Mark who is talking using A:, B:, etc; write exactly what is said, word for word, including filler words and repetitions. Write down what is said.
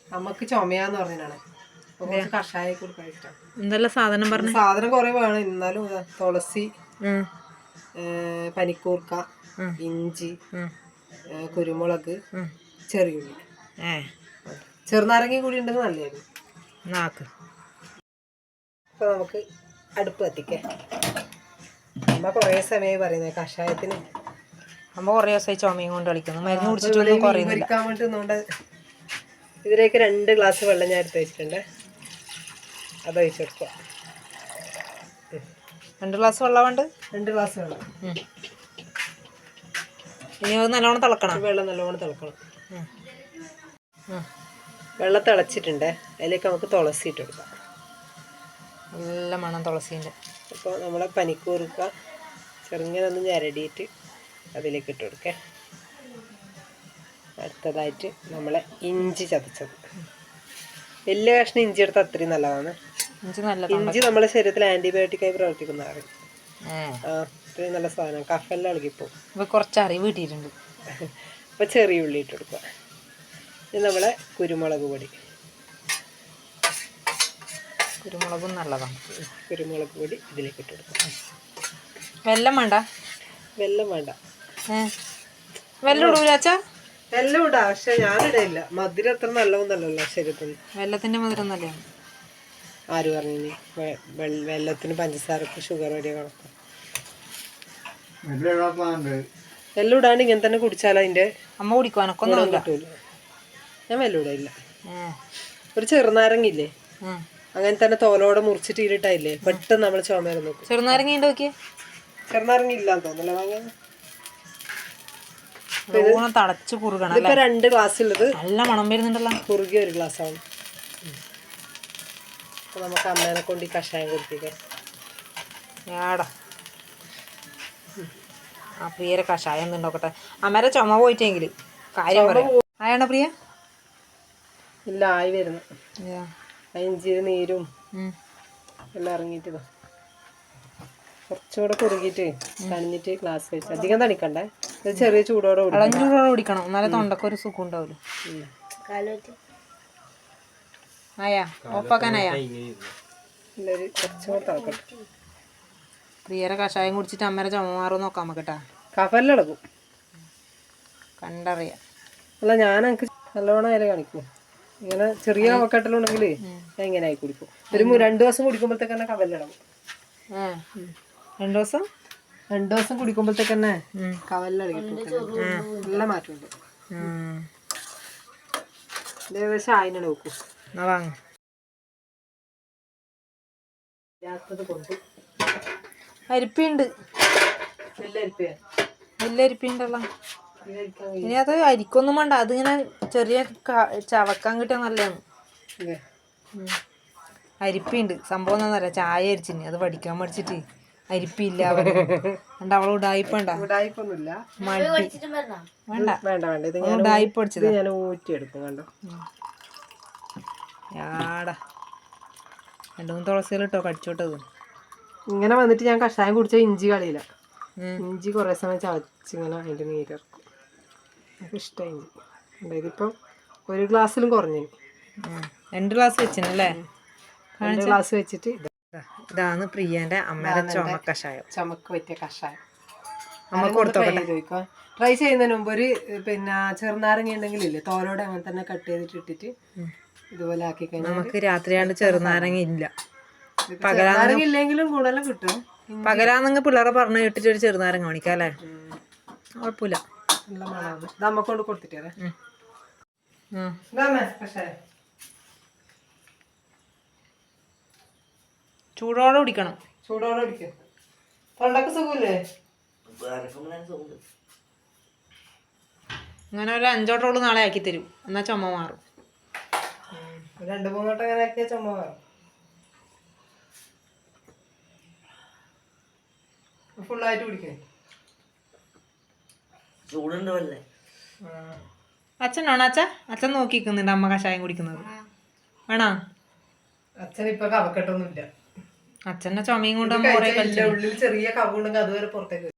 A: നമുക്ക് ചുമയാന്ന് പറഞ്ഞാണ് കുറച്ച് കഷായ കൊടുക്കാൻ ഇഷ്ടം.
B: എന്തെല്ലാം സാധനം പറഞ്ഞു?
A: സാധനം കുറെ വേണം. എന്നാലും തുളസി, പനിക്കൂർക്ക, ഇഞ്ചി, കുരുമുളക്, ചെറിയുള്ളി, ചെറുനാരങ്ങ കൂടി ഉണ്ടെങ്കിൽ നല്ലതായിരുന്നു.
B: നാക്ക്
A: അപ്പൊ നമുക്ക് അടുപ്പ് കത്തിക്കാം. അമ്മ കുറേ സമയമായി പറയുന്നത് കഷായത്തിന്.
B: അമ്മ കുറേ ദിവസമായി ചുമയും കൊണ്ട് കളിക്കുന്നു. മരുന്ന് കുടിച്ചിട്ടൊന്നും
A: കുറയ്ക്കാൻ വേണ്ടിട്ട് ഇതിലേക്ക് രണ്ട് ഗ്ലാസ് വെള്ളം ഞാൻ എടുത്ത് വെച്ചിട്ടുണ്ട്. അത് ഒഴിച്ചെടുക്കുക.
B: രണ്ട് ഗ്ലാസ് വെള്ളം വേണ്ട? രണ്ട്
A: ഗ്ലാസ് വെള്ളം.
B: ഇനി അത് നല്ലോണം തിളക്കണം.
A: വെള്ളം നല്ലോണം തിളക്കണം. വെള്ളം തിളച്ചിട്ടുണ്ട്. അതിലേക്ക് നമുക്ക് തുളസി ഇട്ട് കൊടുക്കാം.
B: നല്ല മണം തുളസീൻ്റെ.
A: അപ്പോൾ നമ്മളെ പനിക്കൂർക്ക ചെറുങ്ങനെ ഒന്ന് ഞരടിയിട്ട് അതിലേക്ക് ഇട്ട് കൊടുക്കേ. അടുത്തതായിട്ട് നമ്മളെ ഇഞ്ചി ചതച്ചത്. വലിയ കഷ്ണം ഇഞ്ചി എടുത്താൽ അത്രയും നല്ലതാണ്.
B: ഇഞ്ചി നല്ല
A: ഇഞ്ചി നമ്മുടെ ശരീരത്തിൽ ആന്റിബയോട്ടിക്കായി പ്രവർത്തിക്കുന്നതാണ്. ആ അത്രയും നല്ല സാധനം. കഫെല്ലാം ഇളകിപ്പോവും.
B: ഇപ്പൊ കുറച്ച് അറിവ് കിട്ടിയിട്ടുണ്ട്.
A: അപ്പൊ ചെറിയ ഉള്ളി ഇട്ട് കൊടുക്കുക. ഇത് നമ്മളെ കുരുമുളക് പൊടി.
B: കുരുമുളകും നല്ലതാണ്.
A: കുരുമുളക് പൊടി ഇതിലേക്ക് ഇട്ട് കൊടുക്കുക.
B: വെല്ലം വേണ്ട?
A: വെല്ലം വേണ്ട.
B: വെല്ലം ഇടൂലാച്ചാ?
A: വെല്ലം ഇടാം, പക്ഷെ ഞാനിടയില്ല. മധുരം അത്ര നല്ലതൊന്നല്ലല്ലോ ശരീരത്തിന്.
B: വെല്ലത്തിന്റെ മധുരം നല്ലതാണ്.
A: ആര് പറഞ്ഞു? വെല്ലത്തിന് പഞ്ചസാരക്ക് ഷുഗർ വരെ കണക്കാം. വെല്ലം ഇടാണ്ട് ഇങ്ങനെ തന്നെ കുടിച്ചാലോ അതിന്റെ
B: അമ്മ കുടിക്കുവാനൊക്കൊന്നും
A: കിട്ടൂല. ഞാൻ വെല്ലം ഇടയില്ല. ഒരു ചെറുനാരങ്ങില്ലേ, അങ്ങനെ തന്നെ തോലോടെ മുറിച്ചിട്ട് ഇരിട്ടായില്ലേ പെട്ടെന്ന് നമ്മൾ ചുമരം നോക്കും.
B: ചെറുനാരങ്ങ ഉണ്ട് നോക്കിയേ.
A: ചെറുനാരങ്ങ ഇല്ലാന്ന് തോന്നല്ലോ വാങ്ങിയത്.
B: തടച്ച് കുറുകണം.
A: ഇപ്പൊ രണ്ട് ഗ്ലാസ് ഉള്ളത്
B: നല്ല മണം വരുന്നുണ്ടല്ലോ.
A: കുറുകിയ ഒരു ഗ്ലാസ് ആണ്. അപ്പൊ നമുക്ക് അമ്മേനെ കൊണ്ട് ഈ കഷായം കുടിപ്പിക്കാം.
B: ഏടാ ആ പ്രിയരെ കഷായം ഒന്നും നോക്കട്ടെ. അമ്മേരെ ചുമ പോയിട്ടെങ്കിൽ കാര്യം പറയാം. ആയാണോ പ്രിയ?
A: ഇല്ല, ആയി വരുന്നു. ഇഞ്ചിയുടെ നീരും എല്ലാം ഇറങ്ങിയിട്ട് കുറച്ചുകൂടെ കുറുകിയിട്ട് തണിഞ്ഞിട്ട് ഗ്ലാസ് വെച്ച്. അധികം തണിക്കണ്ടേ, ചെറിയ ചൂടോടെ
B: ചൂടോടെ കുടിക്കണം. എന്നാലേ തൊണ്ടക്ക് ഒരു സുഖം ഉണ്ടാവില്ല. ആയാ ഒപ്പാക്കാനായാ?
A: കുറച്ചുകൂടെ തിളക്കട്ടെ.
B: പ്രിയരെ കഷായം കുടിച്ചിട്ട് അമ്മേരെ ചുമ മാറും നോക്കാം നമുക്കട്ടാ.
A: കഫെല്ലാം ഇളകും
B: കണ്ടറിയാം.
A: അല്ല, ഞാൻ എനിക്ക് നല്ലോണം അതിൽ കാണിക്കും. ഇങ്ങനെ ചെറിയ കഫക്കെട്ടലുണ്ടെങ്കിൽ ഞാൻ ഇങ്ങനെ ആയി കുടിക്കും. ഒരു രണ്ടു ദിവസം കുടിക്കുമ്പോഴത്തേക്ക് തന്നെ കവലിളകും.
B: രണ്ടു ദിവസം
A: രണ്ടു ദിവസം കുടിക്കുമ്പോഴത്തേക്ക് തന്നെ കവലിളകിട്ട് നല്ല മാറ്റമുണ്ട്. ഏകദേശം ആയിനാണ് നോക്കൂ.
B: അരിപ്പിയുണ്ട്. വലിയ അരിപ്പിയുണ്ടല്ലോ. ഇനി അത് അരിക്കൊന്നും വേണ്ട. അതിങ്ങനെ ചെറിയ ചവക്കാൻ കിട്ടിയാൽ നല്ലതാണ്. അരിപ്പിയുണ്ട്. സംഭവം എന്താണെന്നറിയാം, ചായ അരിച്ചിന് അത് പഠിക്കാൻ പഠിച്ചിട്ട് അരിപ്പില്ല. അതുകൊണ്ട് അവൾ ഉടായിപ്പണ്ട.
A: ഉടായിപ്പൊന്നുമില്ല.
B: മടി വേണ്ട വേണ്ട വേണ്ട ഇത് ഉടായിപ്പ് പഠിച്ചത്.
A: ഞാൻ ഊറ്റിയെടുക്കും. കണ്ടോ
B: യാടാ രണ്ടു മൂന്ന് തുളസികളിട്ടോ കടിച്ചോട്ടത്.
A: ഇങ്ങനെ വന്നിട്ട് ഞാൻ കഷായം കുടിച്ചാൽ ഇഞ്ചി കളിയില്ല. ഇഞ്ചി കുറേ സമയം ചവച്ചിങ്ങനെ അതിൻ്റെ നീരിറക്കും. എനിക്ക് ഇഷ്ടമായി ഇഞ്ചി. ഇതിപ്പം ഒരു ഗ്ലാസ്സിലും കുറഞ്ഞു.
B: രണ്ട് ഗ്ലാസ് വെച്ചിനല്ലേ?
A: രണ്ട് ഗ്ലാസ് വെച്ചിട്ട്
B: ഇതാണ് പ്രിയന്റെ അമ്മയുടെ ചുമ കഷായം.
A: ചുമക്ക് പറ്റിയ കഷായം നമുക്ക് കൊടുത്തോട്ടെ. ട്രൈ ചെയ്യുന്നതിന് മുമ്പ് ഒരു പിന്നെ ചെറുനാരങ്ങ ഉണ്ടെങ്കിൽ ഇല്ലേ തോലോടെ അങ്ങനെ തന്നെ കട്ട് ചെയ്തിട്ട് ഇട്ടിട്ട് ഇതുപോലെ ആക്കി കഴിഞ്ഞാൽ
B: നമുക്ക് രാത്രിയാണ്ട് ചെറുനാരങ്ങ ഇല്ല.
A: പകലാരങ്ങ ഇല്ലെങ്കിലും കൂടുതലും കിട്ടും.
B: പകലാന്നെങ്കിൽ പിള്ളേരെ പറഞ്ഞു ഇട്ടിട്ട് ഒരു ചെറുനാരങ്ങ കാണിക്കാം അല്ലേ? കുഴപ്പമില്ല.
A: നല്ല മണമാണ്. ഇത് അമ്മ കൊണ്ട് കൊടുത്തിട്ടേ
B: ചൂടോടെ കുടിക്കണം.
A: ചൂടോടെ കുടിക്കും. തൊണ്ടക്ക് സുഖമില്ലേ?
B: അങ്ങനെ ഒരു അഞ്ചോട്ടോള് നാളെ ആക്കി തരും. എന്നാൽ ചുമ മാറും.
A: രണ്ട് മൂന്നോട്ടം അങ്ങനെ ആക്കിയാൽ ചുമ മാറും. ഫുള്ളായിട്ട് കുടിക്കേ.
C: ചൂടുണ്ടല്ലേ?
B: അച്ഛനാണോ? അച്ഛ അച്ഛൻ നോക്കിക്കുന്നുണ്ട് അമ്മ കഷായം കുടിക്കുന്നത്. വേണോ?
A: അച്ഛൻ ഇപ്പൊ കവക്കെട്ടൊന്നുമില്ല.
B: അച്ഛന്റെ ചുമയും കൊണ്ട്
A: ഉള്ളിൽ ചെറിയ കവുണ്ടെങ്കിൽ അതുവരെ പുറത്തേക്ക്